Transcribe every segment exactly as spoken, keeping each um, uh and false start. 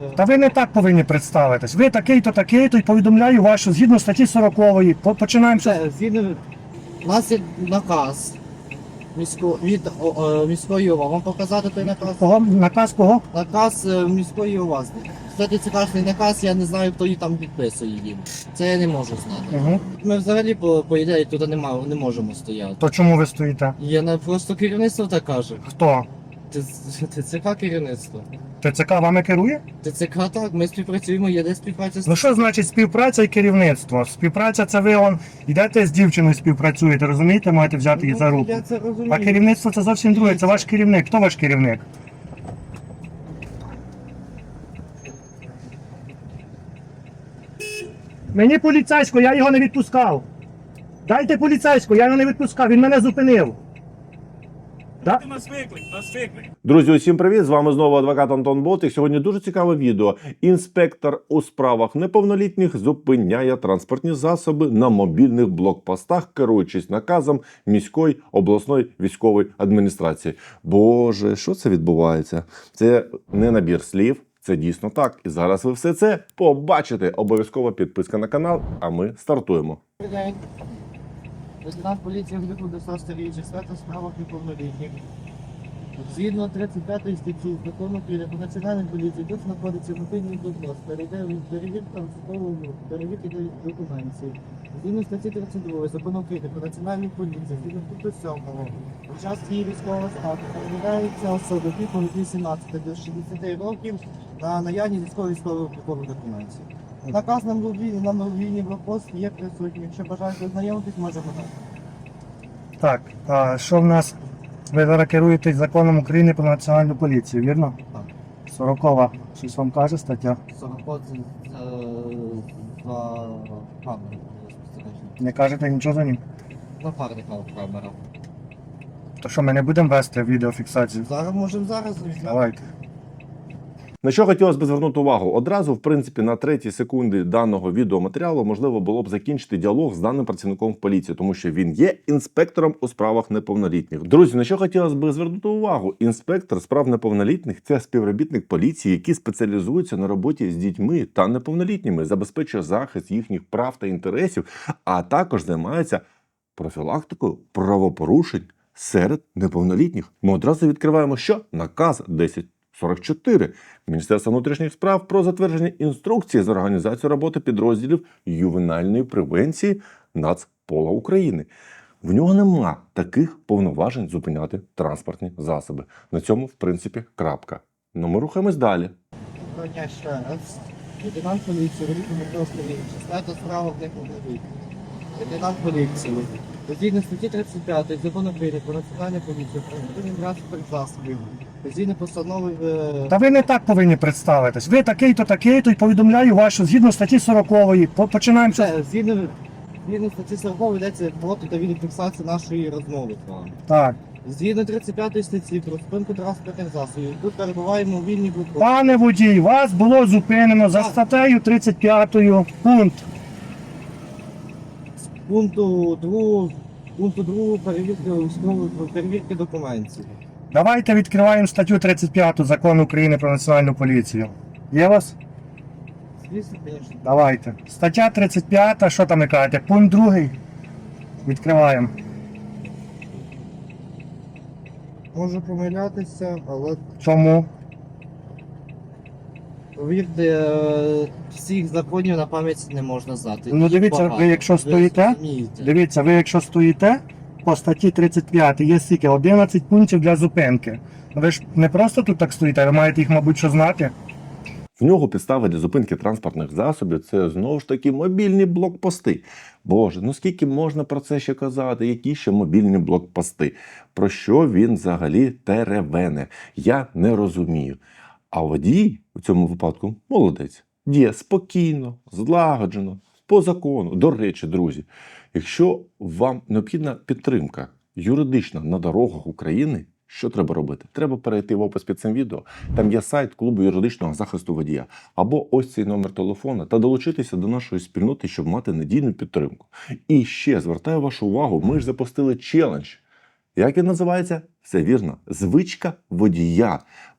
Та ви не так повинні представитись. Ви такий-то, такий-то, і повідомляю вас, що згідно статті сорокової, по- починаємо. Це згідно, у нас є наказ місько, від о, о, міської ОВА. Вам показати той наказ? Кого? Наказ кого? Наказ е, міської ОВА. Кстати, це кажний наказ, я не знаю, хто її там підписує їм. Це я не можу знати. Угу. Ми взагалі, по, по ідеї, туди нема, не можемо стояти. То чому ви стоїте? Є на просто керівництво так каже. Хто? ТЦК керівництво. ТЦК вами керує? ТЦК так, ми співпрацюємо, є де співпраця з Ну що значить співпраця і керівництво? Співпраця це ви он йдете з дівчиною співпрацюєте, розумієте, маєте взяти її за руку. Я це розумію. А керівництво це зовсім друге, це ваш керівник. Хто ваш керівник? Мені поліцейського, я його не відпускав. Дайте поліцейського, я його не відпускав, він мене зупинив. Да? Нас виклик, нас виклик. Друзі, усім привіт! З вами знову адвокат Антон Болтик. Сьогодні дуже цікаве відео. Інспектор у справах неповнолітніх зупиняє транспортні засоби на мобільних блокпостах, керуючись наказом міської обласної військової адміністрації. Боже, що це відбувається? Це не набір слів, це дійсно так. І зараз ви все це побачите. Обов'язково підписка на канал, а ми стартуємо. Добрий день. Лейтенант поліції Гликов до старічих свято в справах неповнолітніх. Згідно тридцять п'ятої статті закону України про національну поліцію, тут знаходиться мобільний блокпост, перевірка військового перевірки документів. Згідно статті тридцять другої закону України про національну поліцію, згідно пункту сьомого, у час її військового статусу перевіряються особи віком від вісімнадцяти до шістдесяти років на наявність військово-військових облікових документів. Наказ на мобільний, на мобільний блокпост є присутній. Якщо бажаєте ознайомитись, можемо так. Так, а що в нас? Ви зараз керуєтесь законом України про національну поліцію, вірно? Так. Сорокова, щось вам каже стаття? сорок за камеру. Не кажете нічого за ним? Напарника камера. То що, ми не будемо вести відеофіксацію? Зараз можемо зараз. Давайте. На що хотілося б звернути увагу? Одразу, в принципі, на третій секунді даного відеоматеріалу можливо було б закінчити діалог з даним працівником поліції, тому що він є інспектором у справах неповнолітніх. Друзі, на що хотілося б звернути увагу? Інспектор справ неповнолітніх – це співробітник поліції, який спеціалізується на роботі з дітьми та неповнолітніми, забезпечує захист їхніх прав та інтересів, а також займається профілактикою правопорушень серед неповнолітніх. Ми одразу відкриваємо що? Наказ десять сорок чотири Міністерства внутрішніх справ про затвердження інструкції з організації роботи підрозділів ювенальної превенції Нацпола України. В нього нема таких повноважень зупиняти транспортні засоби. На цьому, в принципі, крапка. Ну, ми рухаємось далі. Доброго дня ще раз. Лейтенант поліції, Великий Дмитро Старійович. Стаття справа в неповнолітніх. Лейтенант поліції. Згідно статті тридцять п'ятої закону України про національну поліцію, про відповідний транспорт засобів. Згідно постанови... е, Та ви не так повинні представитись. Ви такий-то, такий-то, і повідомляю вас, що згідно статті сорокової, по- починаємо. Це згідно, згідно статті сорокової йдеться фото та відеофіксація нашої розмови з вами. Так. Згідно тридцять п'ятої статті про спинку транспортних засобів, тут перебуваємо у вільній блокпост. Пане водій, вас було зупинено за статтею тридцять п'ятою пункт. Пункту другого, пункту другого перевірки військової перевірки документів. Давайте відкриваємо статтю тридцять п'яту закону України про національну поліцію. Є у вас? Звісно, звісно. Давайте. Стаття тридцять п'ята, що там ви кажете? Пункт другий. Відкриваємо. Можу помилятися, але Чому? повірте, е, всіх законів на пам'ять не можна знати. Ну, Їх дивіться, ви багато. якщо стоїте, розумієте. Дивіться, ви якщо стоїте, по статті тридцять п'ятій є стільки одинадцять пунктів для зупинки. Ви ж не просто тут так стоїте, ви маєте їх, мабуть, що знати. В нього підстави для зупинки транспортних засобів – це знову ж таки мобільні блокпости. Боже, ну скільки можна про це ще казати? Які ще мобільні блокпости? Про що він взагалі теревене? Я не розумію. А водій у цьому випадку молодець. Діє спокійно, злагоджено, по закону. До речі, друзі, якщо вам необхідна підтримка юридична на дорогах України, що треба робити? Треба перейти в опис під цим відео. Там є сайт клубу юридичного захисту водія. Або ось цей номер телефона та долучитися до нашої спільноти, щоб мати надійну підтримку. І ще звертаю вашу увагу, ми ж запустили челендж. Як він називається? Все вірно. Звичка водія.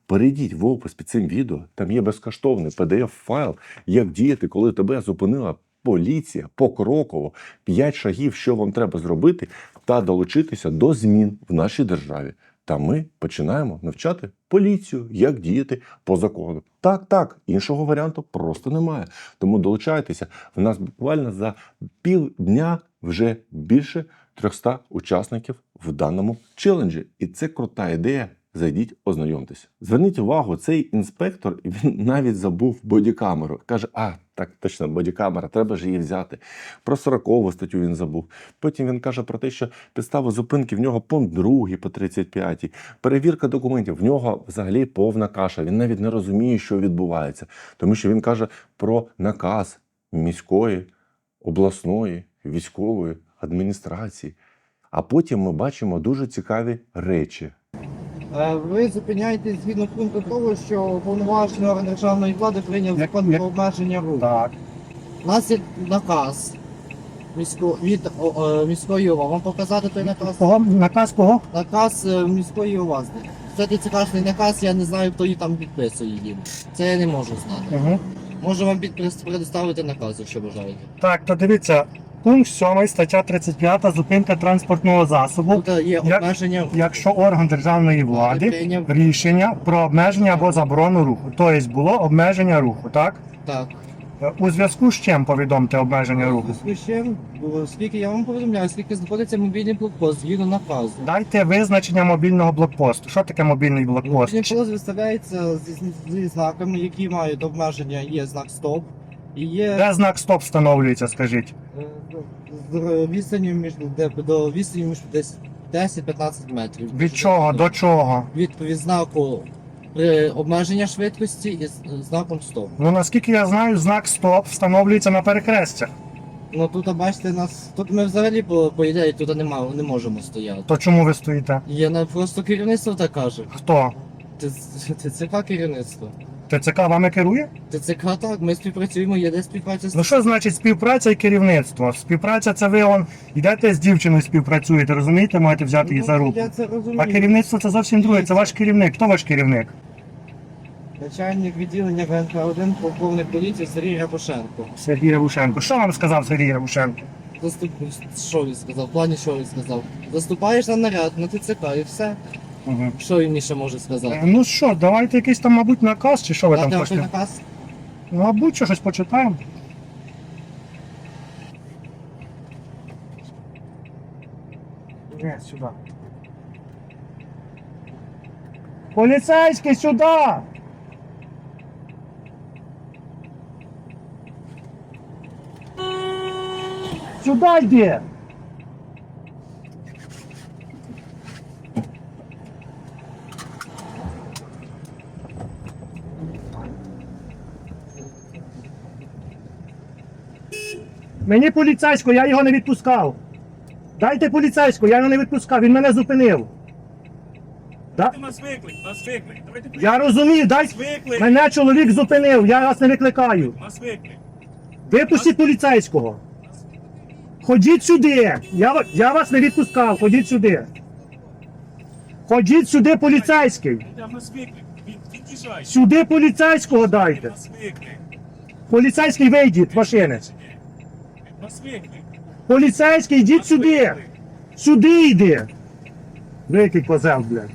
перейдіть в опис під цим відео, там є безкоштовний пі ді еф-файл, як діяти, коли тебе зупинила поліція покроково, п'ять шагів, що вам треба зробити, та долучитися до змін в нашій державі. Та ми починаємо навчати поліцію, як діяти по закону. Так, так, іншого варіанту просто немає. Тому долучайтеся. В нас буквально за півдня вже більше триста учасників в даному челенджі. І це крута ідея. Зайдіть, ознайомтеся. Зверніть увагу, цей інспектор, він навіть забув бодікамеру. Каже, а, так, точно, бодікамера, треба ж її взяти. Про сорокову статтю він забув. Потім він каже про те, що підстава зупинки в нього пункт другий по тридцять п'ятій. Перевірка документів, в нього взагалі повна каша. Він навіть не розуміє, що відбувається. Тому що він каже про наказ міської, обласної, військової адміністрації. А потім ми бачимо дуже цікаві речі. Е, Ви зупиняєтесь згідно пункту того, що повноважений орган державної влади прийняв Як- закон як- про обмеження руху. Так. У нас є наказ місько... від о, е, міської ОВА. Вам показати той наказ? Кого? Наказ кого? Наказ е, міської ОВА. Це цікавий наказ, я не знаю, хто її там підписує їм. Це я не можу знати. Угу. Можу вам під- предоставити наказ, якщо бажаєте. Так, то дивіться, пункт сьомий, стаття тридцять п'ята, зупинка транспортного засобу. Тут є Як- обмеження руху. Якщо орган державної влади Прийняв- рішення про обмеження або заборону руху. Тобто було обмеження руху, так? Так. У зв'язку з чим повідомте обмеження руху? Ще, скільки я вам повідомляю, скільки знаходиться мобільний блокпост згідно наказу. Дайте визначення мобільного блокпосту. Що таке мобільний блокпост? Мобільний блокпост виставляється зі, зі знаками, які мають обмеження. Є знак стоп і є Де знак стоп встановлюється, скажіть? е, з відстанню між де- до відстані між десь десять-п'ятнадцять метрів. Від чого до чого? Від, від знаку при обмеження швидкості і з знаком стоп. Ну наскільки я знаю, знак стоп встановлюється на перехрестях. Ну тут бачите нас. Тут ми взагалі по, по ідеї тут нема, не можемо стояти. То чому ви стоїте? Є на просто керівництво так каже. Хто? ТЦК керівництво. ТЦК вами керує? ТЦК так, ми співпрацюємо, є де співпраця з Ну що значить співпраця і керівництво? Співпраця це ви он йдете з дівчиною співпрацюєте, розумієте, маєте взяти її за руку. Я це розумію. А керівництво це зовсім друге, це ваш керівник. Хто ваш керівник? Начальник відділення ВНК один полковник поліції Сергій Рябошенко. Сергій Рябушенко. Що вам сказав Сергій Рябушенко? Заступ... Що він сказав? В плані що він сказав? Заступаєш на наряд, на ТЦК і все. Угу. Що він ще може сказати? Ну що, давайте якийсь там, мабуть, наказ, чи що ви Дати там вам той хочете? наказ? Мабуть, що щось почитаємо. Ні, сюди. Поліцейський, сюди! Сюди йди! Мені поліцейського, я його не відпускав. Дайте поліцейського, я його не відпускав, він мене зупинив. Да? У нас виклик, у нас виклик. Давайте Я розумію, дай... виклик. мене чоловік зупинив, я вас не викликаю. У нас виклик. Випустіть поліцейського. Ходіть сюди. Я, ва- я вас не відпускав, ходіть сюди. Ходіть сюди, поліцейський. Іде, у нас виклик. Від, від'їжджай. Сюди поліцейського У дайте. нас виклик. Поліцейський вийдіть з машини. У нас виклик. Поліцейський, У йдіть нас сюди. виклик. Сюди йди. Викий козел, блядь.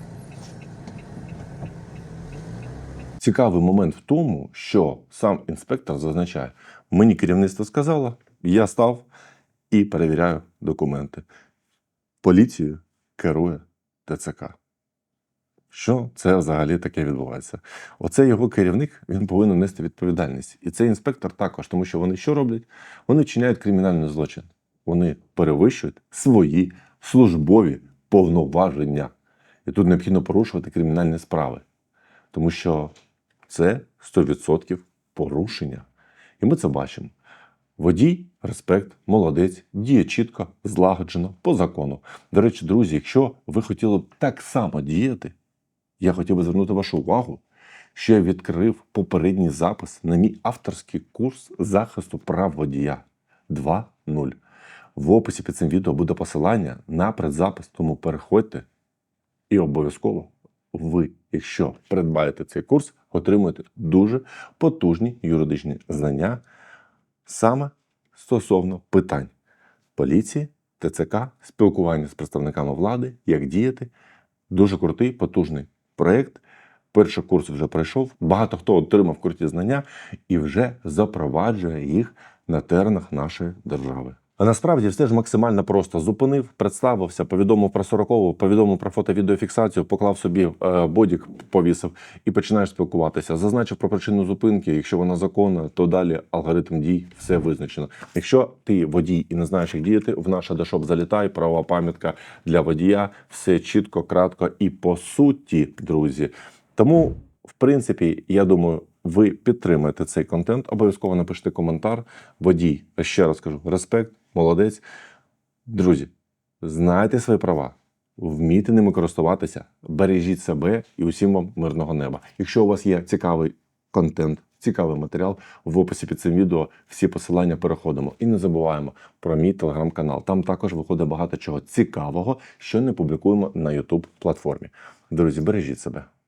Цікавий момент в тому, що сам інспектор зазначає, мені керівництво сказало, я став і перевіряю документи. Поліцію керує ТЦК. Що це взагалі таке відбувається? Оце його керівник, він повинен нести відповідальність. І цей інспектор також, тому що вони що роблять? Вони вчиняють кримінальний злочин. Вони перевищують свої службові повноваження. І тут необхідно порушувати кримінальні справи. Тому що це сто відсотків порушення. І ми це бачимо. Водій, респект, молодець, діє чітко, злагоджено, по закону. До речі, друзі, якщо ви хотіли б так само діяти, я хотів би звернути вашу увагу, що я відкрив попередній запис на мій авторський курс захисту прав водія два нуль. В описі під цим відео буде посилання на предзапис, тому переходьте і обов'язково ви якщо придбаєте цей курс, отримуєте дуже потужні юридичні знання саме стосовно питань поліції, ТЦК, спілкування з представниками влади, як діяти. Дуже крутий, потужний проєкт. Перший курс вже пройшов, багато хто отримав круті знання і вже запроваджує їх на теренах нашої держави. А насправді все ж максимально просто зупинив, представився, повідомив про сорокову, повідомив про фото-відеофіксацію, поклав собі е, бодік, повісив і починаєш спілкуватися. Зазначив про причину зупинки, якщо вона законна, то далі алгоритм дій, все визначено. Якщо ти водій і не знаєш, як діяти, в наш Адашоп залітай, правова пам'ятка для водія, все чітко, кратко і по суті, друзі. Тому, в принципі, я думаю, ви підтримаєте цей контент, обов'язково напишіть коментар. Водій, ще раз кажу, респект, молодець. Друзі, знайте свої права, вмійте ними користуватися, бережіть себе і усім вам мирного неба. Якщо у вас є цікавий контент, цікавий матеріал, в описі під цим відео всі посилання переходимо. І не забуваємо про мій телеграм-канал. Там також виходить багато чого цікавого, що не публікуємо на ютуб платформі. Друзі, бережіть себе.